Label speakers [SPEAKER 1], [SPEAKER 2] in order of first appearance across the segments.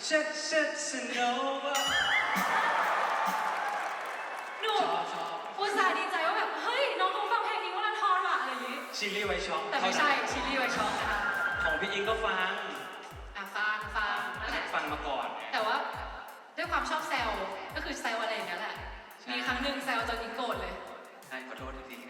[SPEAKER 1] Jet Nova
[SPEAKER 2] หนูอุตส่าห์ดีใจว่าแบบเฮ้ยน้องเขาฟังเพลงนี้ว่าละทอนว่ะอะไรอย่างงี้
[SPEAKER 1] ชิลลี่ไวช็อก
[SPEAKER 2] แต่ไม่ใช่ชิลลี่ไวช็อกนะคะ
[SPEAKER 1] ของพี่อิงก็ฟัง
[SPEAKER 2] ฟังนั่นแหละ
[SPEAKER 1] ฟังมาก่อน
[SPEAKER 2] แต่ว่าด้วยความชอบแซวก็คือแซวอะไรอย่างเงี้ยแหละมีครั้งหนึ่งแซวจนอิงโกรธเลย
[SPEAKER 1] ใช่ขอโทษจริง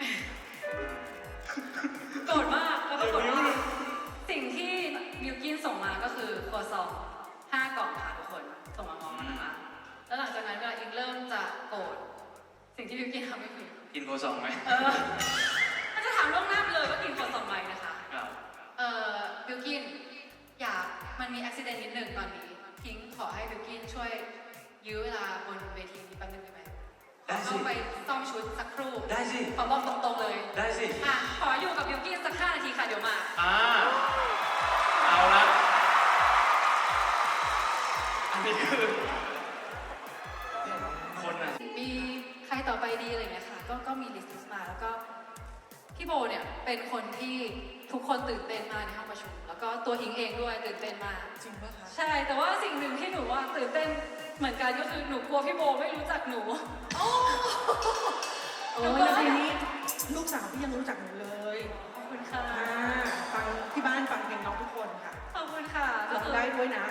[SPEAKER 2] โกรธมากแล้วก็โกรธว่าสิ่งที่บิวกินส่งมาก็คือครัวซอง5 กล่องค่ะทุกคนส่งมาง้อนะคะแล้วหลังจากนั้นเวลาอิงเริ่มจะโกรธสิ่งที่บิวกินทำไม่ผิด
[SPEAKER 1] กินครัวซองไหม
[SPEAKER 2] มันจะถามล่วงหน้าไปเลยว่ากินครัวซองไหมนะคะบิวกินอยากมันมีอุบิเหตุนิดหนึ่งตอนนี้ทิ้งขอให้บิวกินช่วยยื้อเวลาบนเวทีนี้แป๊บนึงได้ไหมต้องไปซ่อมชุดสักครู่
[SPEAKER 1] ได้สิ
[SPEAKER 2] ขอบอกตรงๆเลย
[SPEAKER 1] ได้สิ
[SPEAKER 2] ขออยู่กับบิวกินสัก5 นาทีค่ะเดี๋ยวมา
[SPEAKER 1] เอาละอันนี้คือคนอ่ะ
[SPEAKER 2] มีใครต่อไปดีอะไรเงี้ยค่ะก็มีลิสต์มาแล้วก็พี่โบเนี่ยเป็นคนที่ทุกคนตื่นเต้นมากในห้องประชุมแล้วก็ตัวอิงเองด้วยตื่นเต้นมาก
[SPEAKER 3] จริงป่ะคะ
[SPEAKER 2] ใช่แต่ว่าสิ่งหนึ่งที่หนูว่าตื่นเต้นเหมือนกันก็คือหนูกลัวพี่โบไม่รู้จักหนู
[SPEAKER 3] โอ้แล้วทีนี้ลูกสาวพี่ยังรู้จักหนูเลย
[SPEAKER 2] ขอบคุณค่ะ
[SPEAKER 3] ฟังที่บ้านฟังเพลงน้องทุกคนค่ะ
[SPEAKER 2] ขอบคุณค่ะ
[SPEAKER 3] ร้องได้ด้วยนะ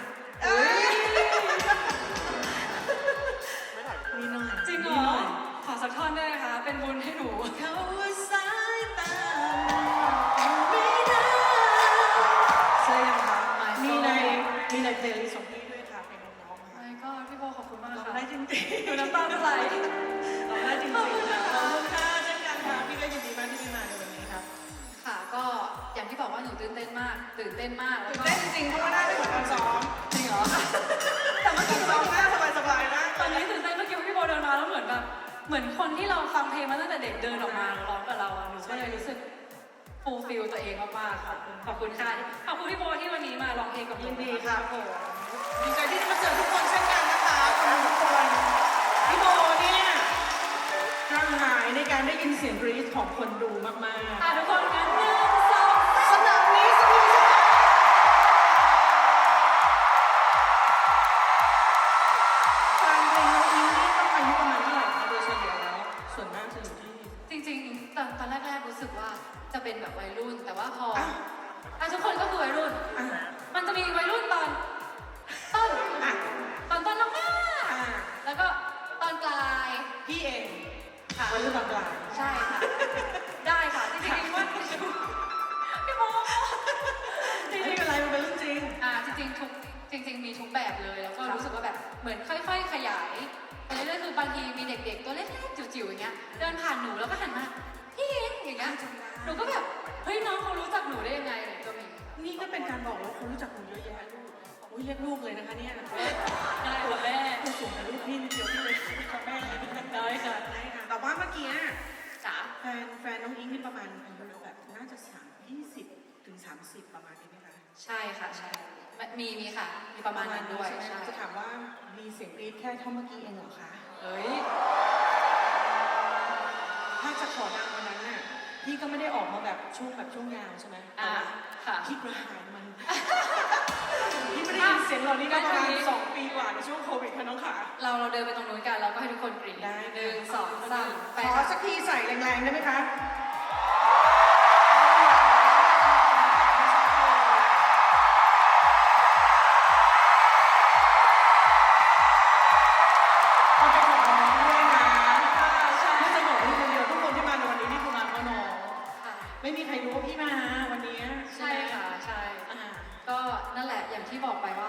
[SPEAKER 3] นี่หน่อย
[SPEAKER 2] จริงเหรอขอสักท่อนได้ไหมคะเป็นบุญให้หนู
[SPEAKER 3] เขาสายตาไม่ได้ใช่ยังคะมีในเพลย์ลิสต์ของพี่ด้วยค่ะเพลงน้อง
[SPEAKER 2] ๆก็พี่โบขอบคุณมากค่ะ
[SPEAKER 3] ร้องได้จริงๆ
[SPEAKER 2] หนูน้ำตาจะไหล
[SPEAKER 3] ร้องได้จริงๆขอบคุณค่ะเช่นกันค่ะพี่ก็ยินดีมากที่ได้มาในวันนี้ครับ
[SPEAKER 2] ค่ะก็อย่างที่บอกว่าหนูตื่นเต้นมากตื่นเต้น
[SPEAKER 3] จริงๆเพราะว่าได้ไม่เหมือนตอนซ้อม
[SPEAKER 2] จริงเหรอ
[SPEAKER 3] แต่เมื่อกี้ซ้อมหน้าสบายๆนะ
[SPEAKER 2] ตอนนี้ตื่นเต้นเมื่อกี้พี่โบเดินมาแล้วเหมือนแบบเหมือนคนที่เราฟังเพลงมาตั้งแต่เด็กเดินออกมาร้องกับเราหนูก็เลยรู้สึกฟูลฟิลตัวเองมากๆค่ะขอบคุณค่ะขอบคุณพี่โบที่วันนี้มาร้องเพลงกับ
[SPEAKER 3] ยินดีค่ะผมดีใจที่ได้มาเจอทุกคนเช่นกันนะคะทุกคนพี่โบเนี่ยกระหายในการได้ยินเสียงกรี๊ดของคนดูมาก
[SPEAKER 2] ๆทุกคนงั้น1 2
[SPEAKER 3] สนามนี้สนุกฟังเพลงน้องอิงนี่ต้องอายุประมาณเท่าไหร่คะโดยเฉลี่ยแล้วส่วนมากจะอยู่ที่
[SPEAKER 2] จริงๆตอนแรกๆรู้สึกว่าจะเป็นแบบวัยรุ่นแต่ว่าพอทุกคนก็คือวัยรุ่นมันจะมีวัยรุ่นตอนต้นมากๆแล้วก็ตอนกลาย
[SPEAKER 3] พี่เองวัยรุ่นตอนกลาง
[SPEAKER 2] ใช่ค่ะได้ค่ะจริงๆว่าพี่โม
[SPEAKER 3] ไม่เป็นไรมันเป็นเรื่องจริง
[SPEAKER 2] จริงมีทุกแบบเลยแล้วก็รู้สึกว่าแบบเหมือนค่อยๆขยายไปเรื่อยๆคือบางทีมีเด็กๆตัวเล็กๆจิ๋วๆอย่างเงี้ยเดินผ่านหนูแล้วก็หันมาพี่เองอย่างเงี้ยหนูก็แบบเฮ้ยน้องเขารู้จักหนูได้ยังไงอะไรก็มี
[SPEAKER 3] นี่ก็เป็นการบอกว่าเขารู้จักหนูเยอะแยะลูกอุ้ยเรียกลูกเลยนะคะเนี่ยนะคะ
[SPEAKER 2] ได้ค่ะแม่
[SPEAKER 3] ผู้สูงอายุพี่นิดเดียวพี่เลยค่ะแม่
[SPEAKER 2] ได้ค่ะ
[SPEAKER 3] แต่ว่าเมื่อกี้
[SPEAKER 2] จ๋า
[SPEAKER 3] แฟนน้องอิงนี่ประมาณอายุแบบน่าจะ20 ถึง 30ประมาณนี้ไหมคะ
[SPEAKER 2] ใช่ค่ะใช่มีค่ะมีประมาณนั้นด้วยใช่
[SPEAKER 3] จะถามว่ามีเสียงกรี๊ดแค่เท่าเมื่อกี้เองเหรอคะ
[SPEAKER 2] เฮ้ย
[SPEAKER 3] ถ้าจะขอดังวันนั้นน่ะพี่ก็ไม่ได้ออกมาแบบช่วงยาวใช่ไหม
[SPEAKER 2] ค่ะ
[SPEAKER 3] พี่กระหายมันพี่ไม่ได้ยินเสียงเรานี่ก็ประมาณ2 ปีกว่าในช่วงโควิดค่ะน้องขา
[SPEAKER 2] เราเดินไปตรงนู้นกันเราก็ให้ทุกคนกรี๊ด
[SPEAKER 3] ได้
[SPEAKER 2] 1 2 3
[SPEAKER 3] ขอสักทีใส่แรงๆได้ไหมคะไม่มีใครรู้ว่าพี่มาวันนี้
[SPEAKER 2] ใช่ค่ะใช่ก็นั่นแหละอย่างที่บอกไปว่า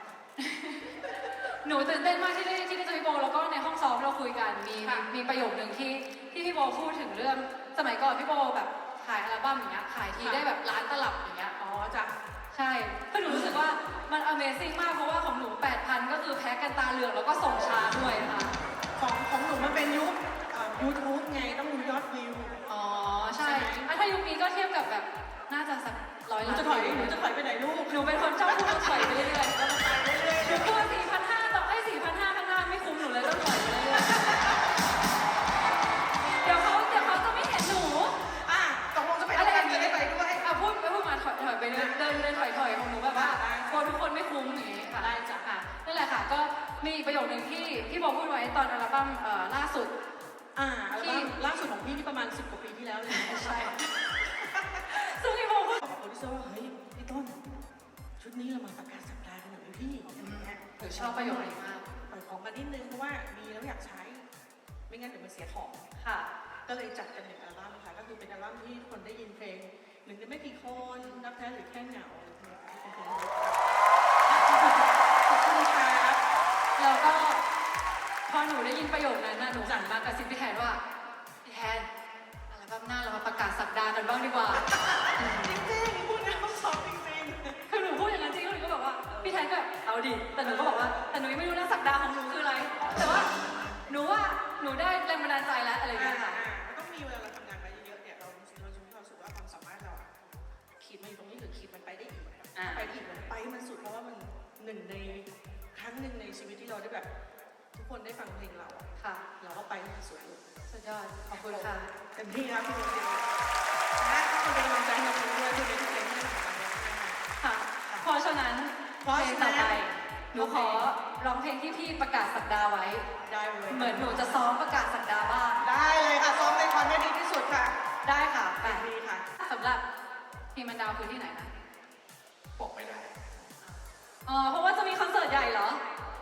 [SPEAKER 2] หนูตื่นเต้นมากที่ได้เจอพี่โบแล้วก็ในห้องซ้อมเราคุยกันมีประโยคหนึ่งที่พี่โบพูดถึงเรื่องสมัยก่อนพี่โบแบบขายอัลบั้มอย่างเงี้ยขายทีได้แบบล้านตลับอย่างเงี้ย
[SPEAKER 3] จ้ะ
[SPEAKER 2] ใช่คือหนูรู้สึกว่ามัน Amazing มากเพราะว่าของหนู 8,000 ก็คือแพ็คกันตาเหลือกแล้วก็ส่งช้าด้วยค่ะ
[SPEAKER 3] ของหนูมันเป็นยุค YouTube ไงต้องดูยอดวิว
[SPEAKER 2] ใช่ถ้ายุคนี้ก็เทียบกับแบบน่าจะสัก100 ล้าน
[SPEAKER 3] หนูจะถอยไปไหนลูก
[SPEAKER 2] หนูเป็นคนชอบพูดถอยไปเรื่อยๆหนูตัว4,500ต่อให้4,500ข้างหน้าไม่คุ้มหนูเลยต้องถอยไปเรื่อยๆเดี๋ยวเขาจะไม่เห็นหนู
[SPEAKER 3] ตกลงจะไปอะไรกันจะได้ไปด้วย
[SPEAKER 2] พูดมาถอยไปเดินถอยของหนูแบบว่ากลัวทุกคนไม่คุ้มอย่างนี้ค่ะได้จ้ะนั่นประโยคนึงที่พี่โบพูดไว้ตอนอัลบั้มล่าสุด
[SPEAKER 3] อัลบั้มล่าสุดของพี่ที่ประมาณ10 กว่าปีที่แล้วเลย
[SPEAKER 2] ใช่ ซึ่งพี่โบพูด
[SPEAKER 3] บอกโปรดิวเซอร์ว่าเฮ้ยพี่ต้นชุดนี้เรามาประกาศสัปดาห์กันหน่อยไหมพี่อย่างเงี้ย
[SPEAKER 2] หนูชอบประโยคนี้มาก
[SPEAKER 3] ปล่อยของมานิดนึงเพราะว่ามีแล้วอยากใช้ ไม่งั้นเดี๋ยวมันเสียของ
[SPEAKER 2] ค่ะ
[SPEAKER 3] ก็เลยจัดกันหนึ่งอัลบั้มค่ะก็คือเป็นอัลบั้มที่คนได้ยินเพลงหนึ่งในไม่กี่คนนับแท้หรือแค่เหงาอะไรพวกนี้ที่เป็นเพลงขอบคุณครับ
[SPEAKER 2] แล้วก็พอหนูได้ยินประโยคนั้นนะหนูหันมากระซิบพี่แทนว่าพี่แทนอัลบั้มหน้าเรามาประกาศสัปดาห์กันบ้างดีกว่า
[SPEAKER 3] จริงๆพูดแล้วชอบจริง
[SPEAKER 2] คือหนูพูดอย่างนั้นจริงแล้วหนูก็บอกว่าพี่แทนก็แบบเอาดิแต่หนูก็บอกว่าแต่หนูยังไม่รู้นะสัปดาห์ของหนูคืออะไร แต่ว่าหนูได้แรงบันดาลใจแล้วอะไรอย่างเงี้ยค่ะ
[SPEAKER 3] มันต้องมีเวลาเราทำงานไปเยอะๆเนี่ยเราจะมีความรู้สึกว่าความสามารถเราอะขีดมันอยู่ตรงนี้หรือขีดมันไปได้อีกไปได้อีกมันไปให้มันสุดเพราะว่ามันหนึ่งในครั้งหนึ่งในชีวิตที่เราได้แบบทุกคนได้ฟังเพลงเราอะ
[SPEAKER 2] ค่ะ
[SPEAKER 3] เราก็ไปให้มันสุดเลย
[SPEAKER 2] สุดยอดขอบคุณค่ะ
[SPEAKER 3] เต็มที่ครับพี่โมเดลนะทุกคนเป็นกำลังใจให้เราด้วยคุณเป็นเพลงที่ของเรานะคะ
[SPEAKER 2] ค่ะ เพราะฉะนั้นเพลงต่อไปหนูขอร้องเพลงที่พี่ประกาศสัปดาห์ไว้
[SPEAKER 3] ได้เลย
[SPEAKER 2] เหมือนหนูจะซ้อมประกาศสัปดาห์บ้าง
[SPEAKER 3] ได้เลยค่ะซ้อมในความได้ดีที่สุดค่ะ
[SPEAKER 2] ได้ค่ะ
[SPEAKER 3] แบ
[SPEAKER 2] แต่
[SPEAKER 3] บนี้ค่ะ
[SPEAKER 2] สำหรับทีมมันดาวคือที่ไหนนะ
[SPEAKER 1] บอกไม่ได้
[SPEAKER 2] อ๋อ เพราะว่าจะมีคอนเสิร์ตใหญ่เหรอ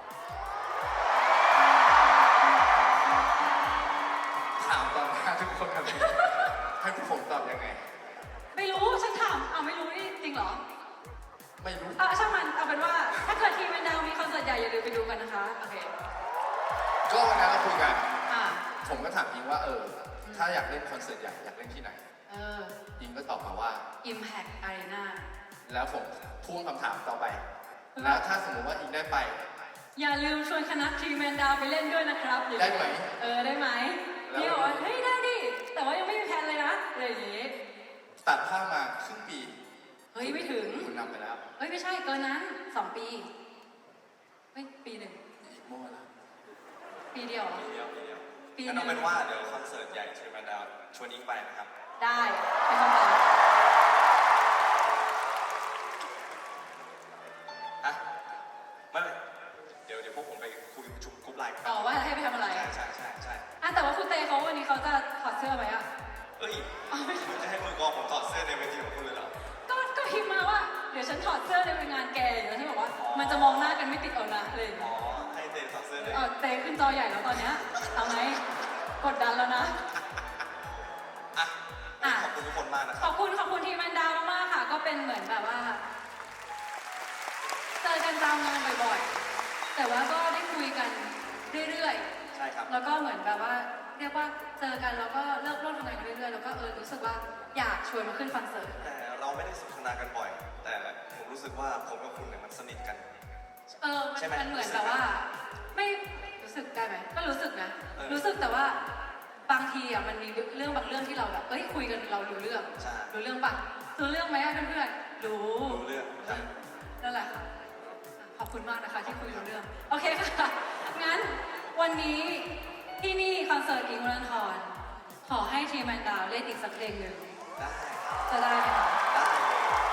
[SPEAKER 1] ถามตอนหน้าทุกคนแบบนี้ให้พวกผมตอบยังไง
[SPEAKER 2] ไม่รู้ ฉันถามไม่รู้นี่จริงเหรอ
[SPEAKER 1] ไม่รู้
[SPEAKER 2] ช่างมัน เอาเป็นว่า ถ้าเกิดทีมมันดาวมีคอนเสิร์ตใหญ่อย่าลืมไปดูกันนะคะ โอเค
[SPEAKER 1] ก็วันนั้นเราคุยกัน
[SPEAKER 2] อ่า
[SPEAKER 1] ผมก็ถามอิงว่าถ้าอยากเล่นคอนเสิร์ตใหญ่อยากเล่นที่ไหน อิงก็ตอบมาว่า
[SPEAKER 2] Impact Arena
[SPEAKER 1] แล้วผมพุ่งคำถามต่อไป แล้วถ้าสมมติว่าอิงได้ไป
[SPEAKER 2] อย่าลืมชวนคณะทีมแมนดาวไปเล่นด้วยนะครับ
[SPEAKER 1] ได้ไหม
[SPEAKER 2] ได้ไหม
[SPEAKER 1] แล้ว
[SPEAKER 2] พี่บอกว่าเฮ้ยได้ดิ แต่ว่ายังไม่มีแผนเลยนะอะไรอย่างงี้
[SPEAKER 1] ตัดภาพมาครึ่งปี
[SPEAKER 2] เฮ้ยไม่ถึง
[SPEAKER 1] คุณนำไปแล้ว
[SPEAKER 2] เฮ้ยไม่ใช่เกินนั้น2 ปีเฮ้ยปีหนึ่ง
[SPEAKER 1] อีกโม่แล้ว
[SPEAKER 2] ปีเดียวเหรอ
[SPEAKER 4] เดียว
[SPEAKER 2] ปีห
[SPEAKER 4] งั้น
[SPEAKER 2] นึ่
[SPEAKER 4] เอา
[SPEAKER 2] ง
[SPEAKER 4] เป็นว่าเดี๋ยวคอนเสิร์ตใหญ่เชิญแมนดาวชวนอิงไปนะครับ
[SPEAKER 2] ได้เป็นคำตอบ
[SPEAKER 4] ฮะ ไม่เดี๋ยวพวกผมไปคุยประชุมกรุ๊ปไลน์กัน
[SPEAKER 2] ต่อว่าให้ไปทำอะไร
[SPEAKER 4] ใช่
[SPEAKER 2] แต่ว่าคุณเตเขาวันนี้เขาจะถอดเสื้อไหมอะ
[SPEAKER 4] เอ้ยคุณจะให้มือกลองผมถอดเสื้อในเวทีของคุณเลยเหรอ
[SPEAKER 2] ก็พิมพ์มาว่าเดี๋ยวฉันถอดเสื้อในงานแกอย่างเงี้ยฉันบอกว่ามันจะมองหน้ากันไม่ติดเอานะอะไรอย่าง
[SPEAKER 4] อ๋
[SPEAKER 2] เงี้
[SPEAKER 4] อย ให้เตถอดเสื้อเลย
[SPEAKER 2] เตขึ้นจอใหญ่แล้วตอนเนี้ยเอาไหมกดดันแล้วนะ
[SPEAKER 4] อ่ะขอบคุณทุกคนมากนะค
[SPEAKER 2] ข
[SPEAKER 4] รั
[SPEAKER 2] อ
[SPEAKER 4] บบ
[SPEAKER 2] คุณทีมแมนดาวมากๆค่ะ ก็เป็นเหมือนแบบว่าเจอกันตามงานบ่อยๆ แต่ว่าก็ได้คุยกันเรื่อย
[SPEAKER 4] ใช่ครับ
[SPEAKER 2] ๆ แล้วก็เหมือนแบบว่าเรียกว่าเจอกันแล้วก็เริ่มร่วมทำงานกันเรื่อยๆ แล้วก็รู้สึกว่าอยากชวนมาขึ้นคอนเสิร์ต
[SPEAKER 4] แต่เราไม่ได้สนทนากันบ่อย แต่ผมรู้สึกว่าผมกับคุณเนี่ยมันสนิทกัน ใช่ไหม
[SPEAKER 2] มันเหมือนแบบว่า ไม่รู้สึกได้ไหมก็รู้สึกนะ รู้สึกแต่ว่าบางทีมันมีเรื่องบางเรื่องที่เราแบบคุยกันเรารู้เรื่อง
[SPEAKER 4] ใช่
[SPEAKER 2] รู้เรื่องปะรู้เรื่องไหมเพื่อนๆรู้
[SPEAKER 4] รู้เรื่องใช่
[SPEAKER 2] นั่นแหละค่ะขอบคุณมากนะคะที่คุยรู้เรื่อง โอเคค่ะ งั้นวันนี้ที่นี่คอนเสิร์ตอิงค์วรันทรขอให้ทีมแมนดาวเล่นอีกสักเพลงหนึ่ง
[SPEAKER 4] ได้
[SPEAKER 2] จะได้ไหมคะ
[SPEAKER 4] ได้เลย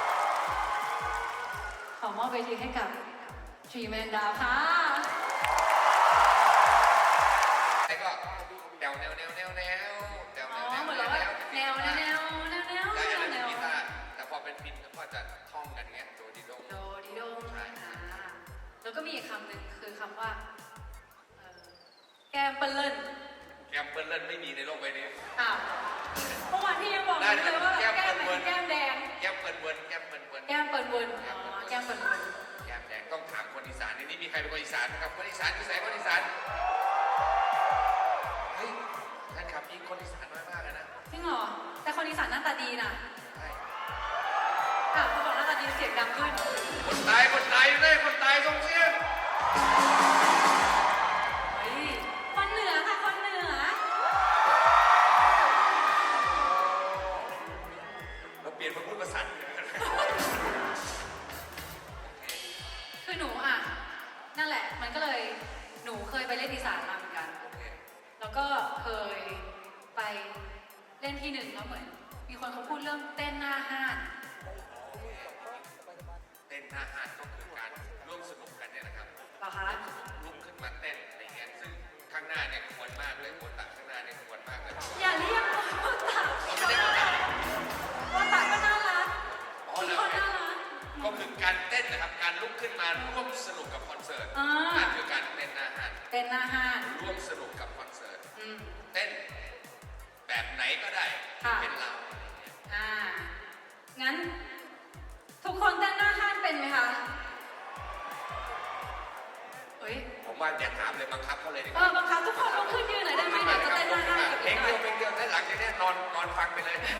[SPEAKER 2] ขอมอบเวทีให้กับทีมแมนดาวค่ะ
[SPEAKER 5] แล้วก็แนวแนวแนวแนวแนวแนว
[SPEAKER 2] อ๋อ
[SPEAKER 5] แนว
[SPEAKER 2] เหมือน
[SPEAKER 5] แน
[SPEAKER 2] เรา
[SPEAKER 5] ว
[SPEAKER 2] ว่า
[SPEAKER 5] แนว
[SPEAKER 2] แนวแนวแนวแนว
[SPEAKER 5] ได้อะไร
[SPEAKER 2] แน
[SPEAKER 5] เป็น
[SPEAKER 2] ว
[SPEAKER 5] กีตาร์แต่พอเป็นฟินก็จะท่องกันเงี้ยโดดิโดง
[SPEAKER 2] โดดิโดงแล้วก็มีอีกคำหนึ่งคือคำว่าแก้มเปิ้ลเล่น
[SPEAKER 5] แกมเปิลเล่นไม่มีในโลกใบนี้
[SPEAKER 2] เมื่อวานที่ยังบอกอยู่เลยว่าแก้มไหนแก้มแดง
[SPEAKER 5] แกมเปิลเวิร์นแกมเปิลเวิร์น
[SPEAKER 2] แก้มเปิ้ลเวิร์นแก้มเปิ้ลเวิร์น
[SPEAKER 5] แกมแดงต้องถามคนอีสานในนี้มีใครเป็นคนอีสานนะครับคนอีสานอยู่ไหนคนอีสานเฮ้ยท่านขับยิงคนอีสานน้อยมากเลยนะ
[SPEAKER 2] จริงเหรอ แต่คนอีสานหน้าตาดีนะ
[SPEAKER 5] ใช่
[SPEAKER 2] เขาบอกหน้าตาดีเสียงดังขึ้น
[SPEAKER 5] คนตายเลยคนตายส่งเสียง
[SPEAKER 2] เฮ้ยคนเหนือค่ะคนเหนือ
[SPEAKER 5] เราเปลี่ยนมาพูดภาษาเหนือกัน
[SPEAKER 2] คือหนูนั่นแหละ มันก็เลยหนูเคยไปเล่นอีสานมาเหมือนกัน
[SPEAKER 5] โอเค
[SPEAKER 2] แล้วก็เคยไปเล่นที่หนึ่งแล้วเหมือน มีคนเขาพูดเรื่องเต้นหน้าห้าน
[SPEAKER 5] เต้นหน้าห้านก็คือการร่วมสนุกกันเนี่ยนะครับ
[SPEAKER 2] เหรอคะ
[SPEAKER 5] ลุกขึ้นมาเต้นน้าเนี่ยควรมากเลยโคตะข้างหน้าเนี่ยควรมากเลย
[SPEAKER 2] อย่าเรียกว่าโคตะ
[SPEAKER 5] เราไม่ได้โคตะ
[SPEAKER 2] โคตะก็น่ารัก
[SPEAKER 5] อ๋อ
[SPEAKER 2] ทุก
[SPEAKER 5] แล้ว
[SPEAKER 2] คนน่ารัก
[SPEAKER 5] ก็คือการเต้นนะครับการลุกขึ้นมาร่วมสนุกกับคอนเสิร์ต
[SPEAKER 2] อ่า
[SPEAKER 5] นั่นคือการเต้นหน้าห้าน
[SPEAKER 2] เต้นหน้าห้าน
[SPEAKER 5] ร่วมสนุกกับคอนเสิร์ต
[SPEAKER 2] อืม
[SPEAKER 5] เต้นแบบไหนก็ได้
[SPEAKER 2] ค่ะ
[SPEAKER 5] เป็นเรา
[SPEAKER 2] งั้น ทุกคนเต้นหน้าห้านเป็นไหมคะเฮ้ย
[SPEAKER 5] ผมว่าอย่าถามเลยบังคับเขาเลยดีก
[SPEAKER 2] เอ
[SPEAKER 5] ว่า
[SPEAKER 2] อบังคับทุกคนลุกขึ้นยืนหน่อยได้ไหมเดี๋ยวจะเต้นหน้าห้านกับ
[SPEAKER 5] เพลง
[SPEAKER 2] เรา
[SPEAKER 5] เดียวแล้วหลังจากนี้นอนฟังไปเลย